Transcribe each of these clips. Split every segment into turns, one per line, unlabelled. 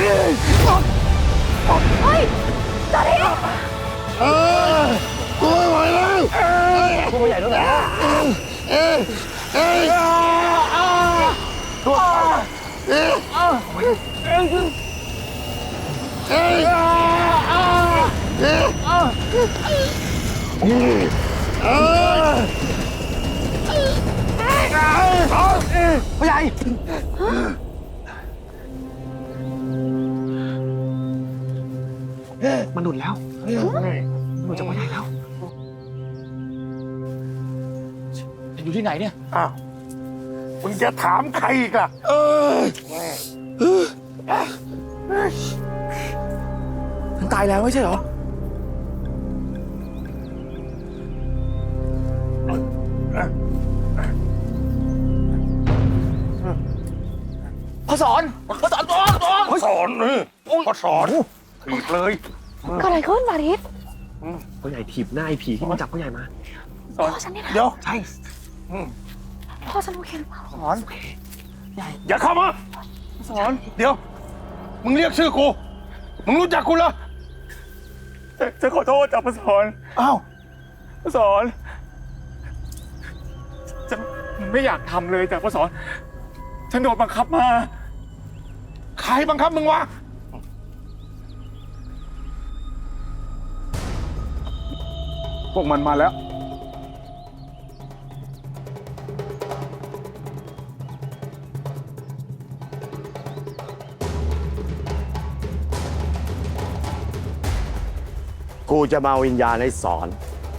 เฮ้ยจอร์ดี้
กูไม่ไหวแล้ว
ตัวใหญ่ด้วยนะพ่อใหญ่มันหนุนแล้วหนุนจากพ่อใหญ่แล้วอยู่ที่ไหนเนี่ย
อ้าวมึงจะถามใครอีกล่ะ
มันตายแล้วไม่ใช่เหรอพ่อสอนพ่อสอนตัว
สอนพ่อสอนถีบเลย
เกิดอะไรขึ้นมาริส
พ่อใหญ่ถีบหน้าไอ้ผีที่มันจับพ่อใหญ่มา
พ่อฉันเนี่ยนะ
เดี๋ยว
ใช่
พ่อฉันโอเคหรือเปล่า
สอนใหญ่
อย่าเข้ามา
สอน
เดี๋ยวมึงเรียกชื่อกูมึงรู้จักกูเหรอ
จะขอโทษจ้ะพ่อสอน
อ้าว
พ่อสอนฉันไม่อยากทำเลยจ้ะพ่อสอนฉันโดนบังคับมา
ใครบังคับมึงวะพวกมันมาแล้ว
กูจะมาวิญญาณให้สอน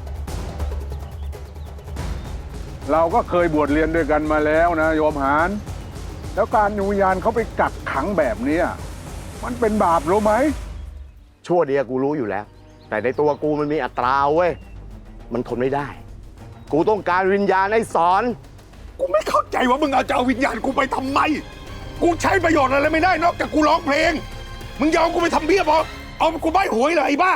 เราก็เคยบวชเรียนด้วยกันมาแล้วนะโยมหานแล้วการวิญญาณเขาไปกักขังแบบนี้มันเป็นบาปรู้ไหม
ชั่วเดียวกูรู้อยู่แล้ว แต่ในตัวกูมันมีอัตราเว้ยมันทนไม่ได้กูต้องการวิญญาณให้สอน
กูไม่เข้าใจว่ามึงเอาจะเอาวิญญาณกูไปทำไมกูใช้ประโยชน์อะไรไม่ได้นอกจากกูร้องเพลงมึงยอมกูไปทำเบี้ยบอเอากูใบหวยเลยไอ้บ้า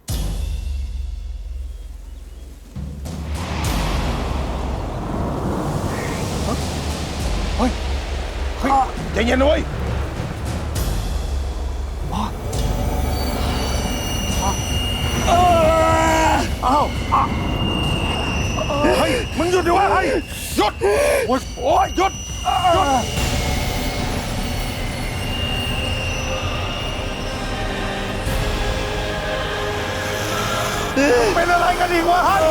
เฮ้ยใจเย็นนะเว้ยเฮ้ยมึงหยุดดิวะเฮ้ยหยุดโอ้ยหยุดเป็นอะไรกันอีกวะเฮ้ย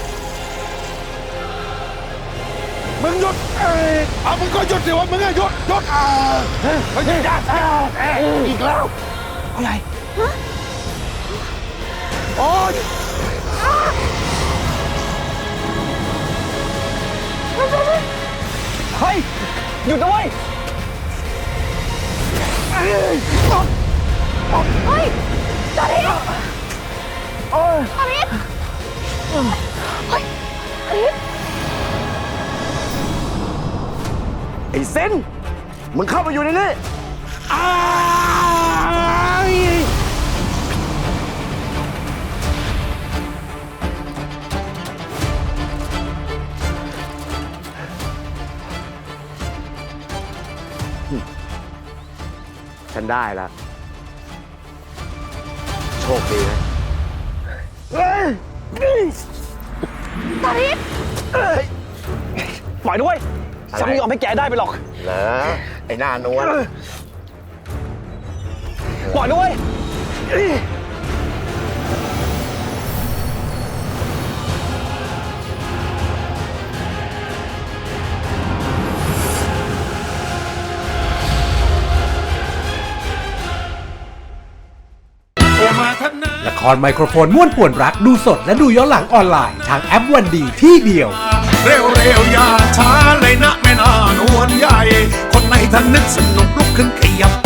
มึงหยุดมึงก็หยุดสิวะมึงหยุดเฮ้ยอีกแล้ว
พ่อใหญ่
โอ๊ย
เฮ้ยหยุดนะเว้ย
เฮ้ยจอร์ดี้มาริสเฮ้ยมาริส
ไอ้เซนมึงเข้ามาอยู่ในนี้ฉันได้แล้วโชคดีนะ
มาริส
ปล่อยด้วยฉันไม่ยอมให้แกได้ไปหรอก
เหรอไอ้หน้านวล
ปล่อยด้วย
ละครไมโครโฟนม่วนป่วนรักดูสดและดูย้อนหลังออนไลน์ทางแอปวันดีที่เดียว
เร็วๆอย่าช้าเลยนะแม่นานวลใหญ่คนในท่านนึกสนุกลุกขึ้นขยับ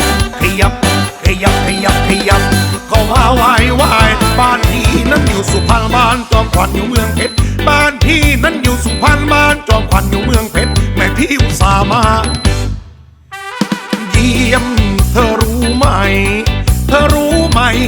ก็ว่าไหวบ้านพี่นั้นอยู่สุพรรณบ้านจอมขวัญอยู่เมืองเพชรบ้านพี่นั้นอยู่สุพรรณบ้านจอมขวัญอยู่เมืองเพชรแม่พี่อุตส่าห์มาเยี่ยมเธอรู้ไหม